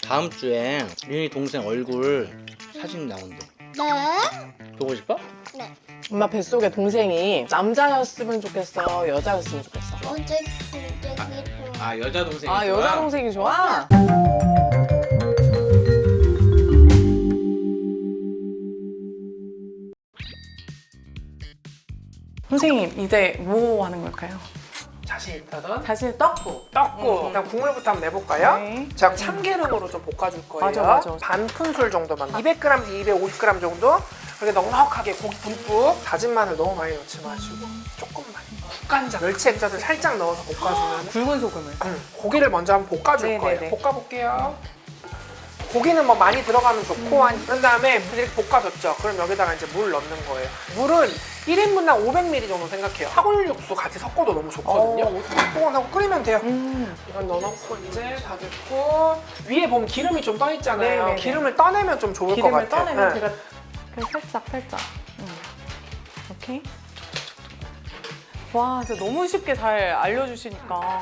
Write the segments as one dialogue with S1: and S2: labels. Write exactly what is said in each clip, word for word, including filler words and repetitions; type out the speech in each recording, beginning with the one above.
S1: 다음 주에 윤희 동생 얼굴 사진 나온대.
S2: 네?
S1: 보고 싶어?
S2: 네.
S3: 엄마 뱃속에 동생이 남자였으면 좋겠어, 여자였으면 좋겠어?
S2: 어제 되게 좋아.
S1: 아 여자 동생이
S3: 아,
S1: 좋아?
S3: 여자 동생이 좋아? 선생님, 이제 뭐 하는 걸까요?
S4: 자신 있다던
S3: 다시 떡국.
S4: 떡국.
S3: 음.
S4: 일단 국물부터 한번 내볼까요?
S3: 네.
S4: 제가 참기름으로 좀 볶아줄 거예요.
S3: 맞아, 맞아.
S4: 반 큰술 정도만. 이백 그램에서 이백오십 그램 정도. 그렇게 넉넉하게 고기 듬뿍. 다진 마늘 너무 많이 넣지 마시고 조금만. 국간장, 멸치 액젓을 살짝 넣어서 볶아주면.
S3: 굵은 소금을.
S4: 음, 고기를 먼저 한번 볶아줄
S3: 네네네.
S4: 거예요. 볶아볼게요. 고기는 뭐 많이 들어가면 좋고 한 그런 다음에 이렇게 볶아줬죠. 그럼 여기다가 이제 물 넣는 거예요. 물은 일 인분당 오백 밀리리터 정도 생각해요. 사골 육수 같이 섞어도 너무 좋거든요.
S3: 어.
S4: 뽀글하고 끓이면 돼요.
S3: 음.
S4: 이건 넣어놓고 이제 다 됐고 위에 보면 기름이 좀 떠 있잖아요.
S3: 네네네.
S4: 기름을 떠내면 좀 좋을 것
S3: 기름을
S4: 같아요.
S3: 떠내면
S4: 네.
S3: 제가 그냥 살짝, 살짝. 음. 오케이. 와, 진짜 너무 쉽게 잘 알려주시니까.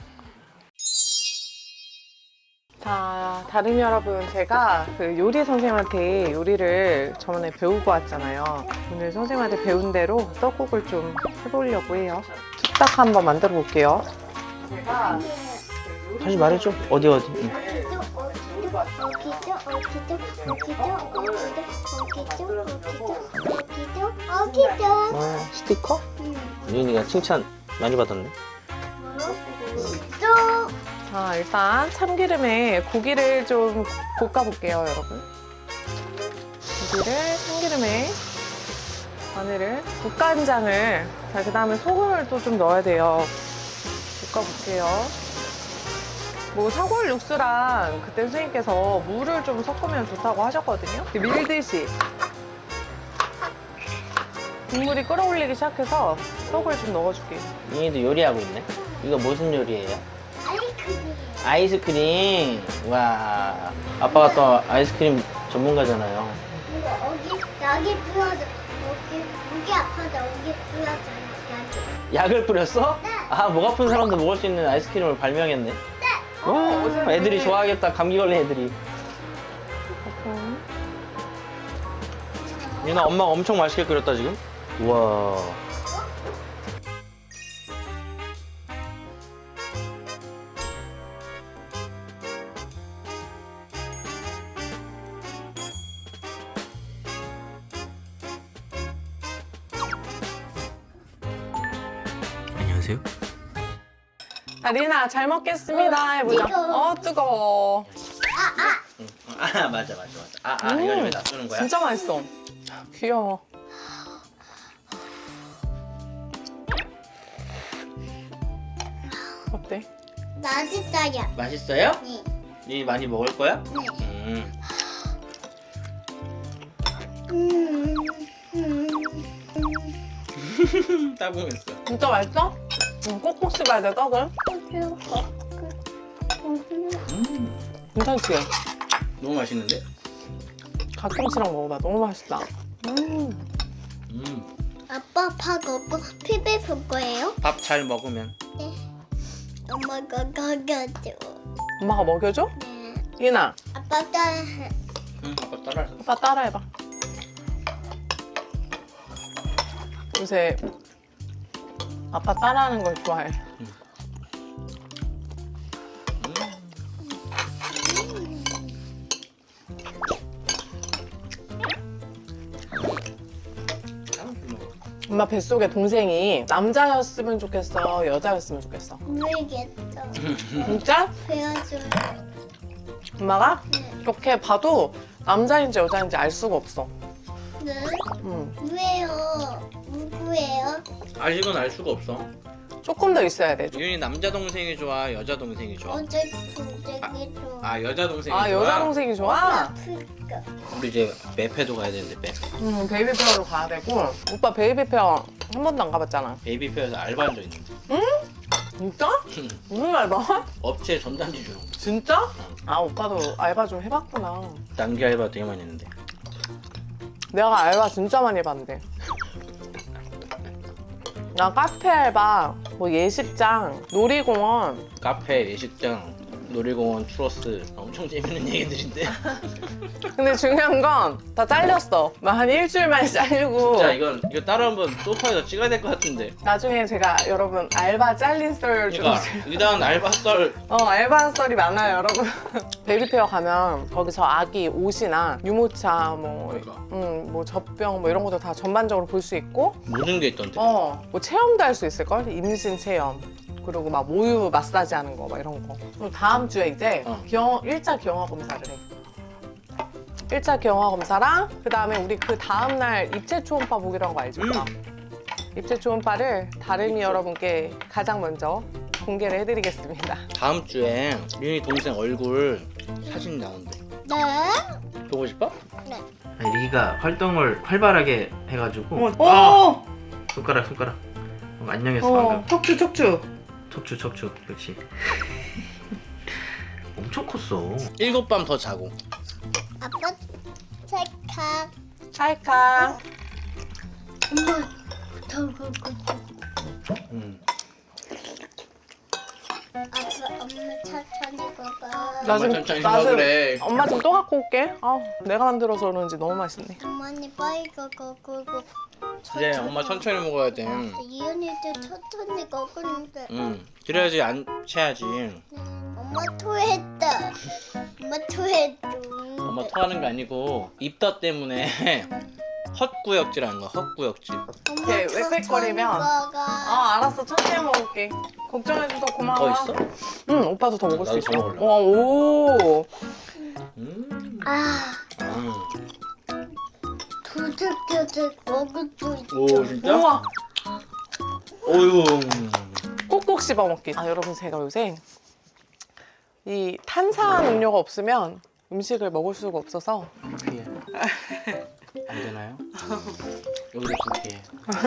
S3: 자, 다른 여러분, 제가 그 요리 선생님한테 요리를 저번에 배우고 왔잖아요. 오늘 선생님한테 배운 대로 떡국을 좀 해보려고 해요. 뚝딱 한번 만들어 볼게요. 제가
S1: 다시 말해줘. 어디 어디? 응.
S2: 어기죠, 어기죠, 어기죠, 어기죠, 어기죠, 어기죠, 어기죠, 어기죠.
S1: 어, 스티커?
S2: 응.
S1: 윤희가 칭찬 많이 받았네.
S2: 또
S3: 자, 일단 참기름에 고기를 좀 볶아볼게요, 여러분. 고기를 참기름에 마늘을, 국간장을, 자, 그 다음에 소금을 또 좀 넣어야 돼요. 볶아볼게요. 뭐 사골 육수랑 그때 선생님께서 물을 좀 섞으면 좋다고 하셨거든요. 밀듯이 국물이 끓어올리기 시작해서 떡을 좀 넣어줄게요.
S1: 윤희도 요리하고 있네. 이거 무슨 요리예요?
S2: 아이스크림.
S1: 아이스크림. 와, 아빠가 또 아이스크림 전문가잖아요.
S2: 이거 어기 여기 뿌려줘. 여기 목이 아파서 여기 뿌려줘. 여기.
S1: 약을 뿌렸어?
S2: 네.
S1: 아, 목 아픈 사람도 먹을 수 있는 아이스크림을 발명했네.
S2: 네.
S1: 와, 애들이 좋아하겠다. 감기 걸린 애들이. 윤아, 엄마가 엄청 맛있게 끓였다 지금. 우와. 안녕하세요.
S3: 자, 리나, 잘 먹겠습니다. 해보자.
S2: 뜨거워.
S3: 어, 뜨거워.
S1: 아, 맞아, 맞아, 맞아. 아, 아, 이걸 왜 놔두는 거야?
S3: 진짜 맛있어. 귀여워. 어때?
S2: 맛있어요.
S1: 맛있어요?
S2: 네.
S1: 니 많이 먹을 거야?
S2: 네.
S1: 음.
S2: 음. 음.
S1: 따봉했어.
S3: 진짜 맛있어? 응, 꼭꼭 씹어야 돼, 떡을.
S1: 음.
S3: 괜찮지?
S1: 너무 맛있는데?
S3: 갓김치랑 먹어봐. 너무 맛있다. 음.
S1: 음.
S2: 아빠 밥 먹고 피비 볼 거예요?
S1: 밥 잘 먹으면.
S2: 네. 엄마가 가져줘.
S3: 엄마가 먹여줘?
S2: 네.
S3: 예나,
S2: 아빠 따라해.
S1: 응, 아빠 따라해서.
S3: 오빠 따라해봐. 요새 아빠 따라하는 걸 좋아해. 엄마 뱃속에 동생이 남자였으면 좋겠어, 여자였으면 좋겠어?
S2: 모르겠어.
S3: 진짜?
S2: 배워줘요.
S3: 엄마가
S2: 네.
S3: 이렇게 봐도 남자인지 여자인지 알 수가 없어.
S2: 네?
S3: 음.
S2: 왜요? 누구예요?
S1: 아직은 알 수가 없어.
S3: 조금 더 있어야 돼.
S1: 윤이 남자 동생이 좋아, 여자 동생이 좋아?
S2: 어제 동생이 좋아.
S1: 아, 여자 동생이
S3: 아,
S1: 좋아.
S3: 여자 동생이 좋아?
S2: 아프니까.
S1: 우리 이제 매패도 가야 되는데 매.
S3: 음, 베이비 페어로 가야 되고. 오빠 베이비 페어 한 번도 안 가봤잖아.
S1: 베이비페어에서 알바한 적 있는데.
S3: 진짜? 무슨 알바?
S1: 업체 전단지 주는 거.
S3: 진짜? 아, 오빠도 알바 좀 해봤구나.
S1: 단기 알바 되게 많이 했는데.
S3: 내가 알바 진짜 많이 해봤는데. 나 카페 알바, 뭐 예식장, 놀이공원,
S1: 카페, 예식장, 놀이공원 추러스 엄청 재밌는 얘기들인데.
S3: 근데 중요한 건 다 잘렸어. 막 한 일주일 만에 잘리고.
S1: 자 이건 이거 따로 한번 소파에서 찍어야 될 것 같은데.
S3: 나중에 제가 여러분 알바 잘린 썰 좀.
S1: 그러니까 이단 알바 썰.
S3: 어, 알바 썰이 많아요, 여러분. 베이비페어 가면 거기서 아기 옷이나 유모차, 뭐,
S1: 그러니까.
S3: 음, 뭐 젖병 뭐 이런 것도 다 전반적으로 볼 수 있고,
S1: 모든 게 있던데.
S3: 어, 뭐 체험도 할 수 있을걸? 임신 체험. 그리고 막 모유 마사지 하는 거, 막 이런 거. 그리고 다음 주에 이제
S1: 어.
S3: 경, 일 차 경화 검사를 해. 일 차 경화 검사랑 그 다음에 우리 그 다음날 입체 초음파 보기로 한 거 알죠?
S1: 음.
S3: 입체 초음파를 다름이 여러분께 가장 먼저 공개를 해드리겠습니다.
S1: 다음 주에 리은이 동생 얼굴 사진 나온대.
S2: 네?
S1: 보고 싶어?
S2: 네.
S1: 리기가 활동을 활발하게 해가지고.
S3: 오!
S1: 아! 손가락 손가락. 어, 안녕했어 방금.
S3: 척추 척추.
S1: 척추 척추. 그렇지. 엄청 컸어. 일곱 밤 더 자고.
S2: 아빠 찰칵.
S3: 찰칵.
S2: 엄마 더고
S1: 음.
S2: 아빠 엄마 천천히 먹어.
S3: 나 지금-
S1: 천천히
S3: 나 지금-
S1: 먹으래.
S3: 엄마 좀 또 갖고 올게. 아, 내가 만들어서 그런지 너무 맛있네.
S2: 엄마니 빨리 먹어 그거.
S1: 이제 엄마 천천히 먹어야 돼.
S2: 이은이도 천천히 먹었는데.
S1: 음. 그래야지 안 체하지.
S2: 엄마 토했다. 엄마 토했다.
S1: 엄마 토하는 게 아니고 입덧 때문에 헛구역질하는 거야. 헛구역질.
S3: 이렇게 웩웩거리면- 아, 알았어. 천천히 먹을게. 걱정해줘서 고마워.
S1: 더 있어?
S3: 응, 오빠도 더 먹을 수
S1: 나도
S3: 있어.
S1: 더 먹을래.
S3: 와, 오.
S1: 음.
S2: 아,
S1: 음.
S2: 두들겨들 먹을 수 있어.
S1: 오 진짜?
S3: 우와.
S1: 오유.
S3: 꼭꼭 씹어 먹기. 아, 여러분 제가 요새 이 탄산 음료가 없으면 음식을 먹을 수가 없어서
S1: 커피에 안 되나요? 여기도 커피에.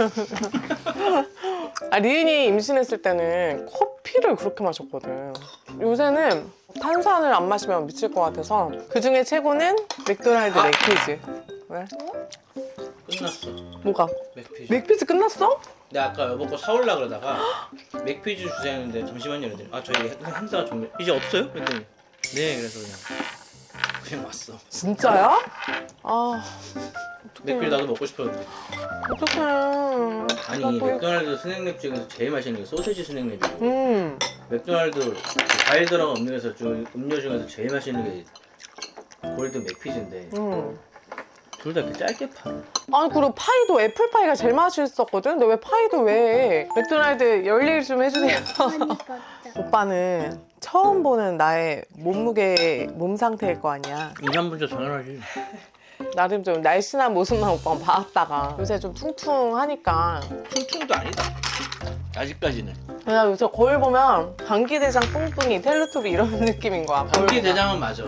S3: 아, 리은이 임신했을 때는 커피를 그렇게 마셨거든. 요새는 탄산을 안 마시면 미칠 것 같아서 그 중에 최고는 맥도날드
S1: 아!
S3: 맥피즈. 왜?
S1: 끝났어.
S3: 뭐가?
S1: 맥피즈.
S3: 맥피즈 끝났어?
S1: 내가 아까 여보 거 사올라 그러다가 맥피즈 주세요 했는데 잠시만요 이랬더니 아 저희 행사가 좀 이제 없어요? 그랬더니 네 그래서 그냥 그냥 왔어.
S3: 진짜야? 아,
S1: 맥피즈 나도 먹고 싶었는데
S3: 어떡해.
S1: 아니
S3: 나 또-
S1: 맥도날드 스낵랩 중에서 제일 맛있는 게 소세지 스낵랩이고
S3: 음.
S1: 맥도날드 과일 들어간 음료 중에서 중- 음료 중에서 제일 맛있는 게 골든 맥피즈인데
S3: 음.
S1: 둘 다 이렇게 짧게 팔아.
S3: 아니, 그리고 파이도 애플파이가 제일 맛있었거든? 근데 왜 파이도 왜 해? 맥도날드 열일 좀 해주세요.
S2: 그러니까.
S3: 오빠는 처음 보는 나의 몸무게, 몸 상태일 거 아니야.
S1: 이, 삼 분 전 당연하지.
S3: 나름 좀 날씬한 모습만 오빠가 봐왔다가 요새 좀 퉁퉁하니까.
S1: 퉁퉁도 아니다. 아직까지는.
S3: 나 요새 거울 보면 방귀대장 뿡뿡이 텔레토비 이런 느낌인 거야.
S1: 감기 대장은 맞아.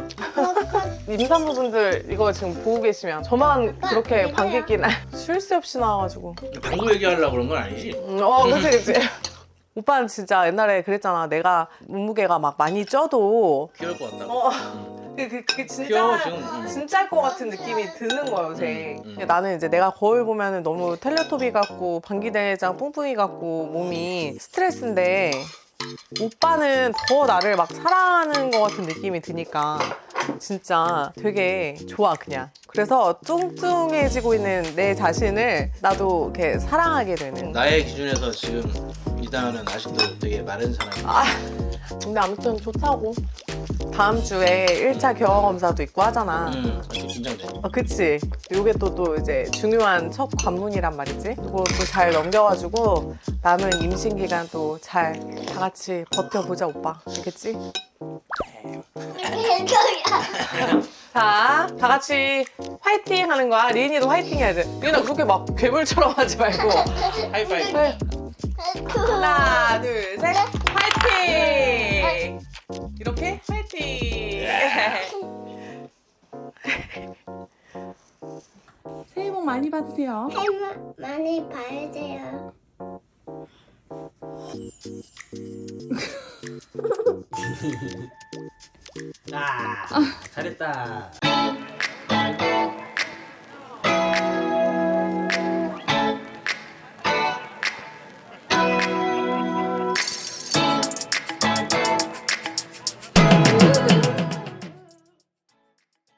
S3: 임산부분들 이거 지금 보고 계시면 저만 그렇게 방귀 끼나 쉴 새 없이 나와가지고.
S1: 방구 얘기하려고 그런 건 아니지?
S3: 음, 어, 그치, 그치. 오빠는 진짜 옛날에 그랬잖아. 내가 몸무게가 막 많이 쪄도
S1: 귀여울 것 같다고.
S3: 어.
S1: 음.
S3: 그, 그, 그게
S1: 귀여워,
S3: 진짜
S1: 지금. 음.
S3: 진짜일 것 같은 느낌이 드는 거야 요새.
S1: 음, 음.
S3: 근데 나는 이제 내가 거울 보면은 너무 텔레토비 같고 방귀대장 뿡뿡이 같고 몸이 스트레스인데 오빠는 더 나를 막 사랑하는 것 같은 느낌이 드니까 진짜 되게 좋아 그냥. 그래서 뚱뚱해지고 있는 내 자신을 나도 이렇게 사랑하게 되는.
S1: 나의 기준에서 지금 이다은은 아직도 되게 마른 사람이야.
S3: 아, 근데 아무튼 좋다고. 다음 주에 일 차 경화 검사도 있고 하잖아.
S1: 음, 아직 긴장돼.
S3: 어, 그치. 요게 또, 또 이제 중요한 첫 관문이란 말이지. 그것도 잘 넘겨가지고 남은 임신 기간 또 잘 다 같이 버텨보자, 오빠. 알겠지? 자, 다 같이 화이팅 하는 거야. 리은이도 화이팅 해야 돼. 리은아, 그렇게 막 괴물처럼 하지 말고.
S1: 하이파이브.
S3: 네. 하나, 둘, 셋. 화이팅! 이렇게 화이팅! 새해 복 많이 받으세요.
S2: 햄 많이 봐야 돼요.
S1: 아, 잘했다.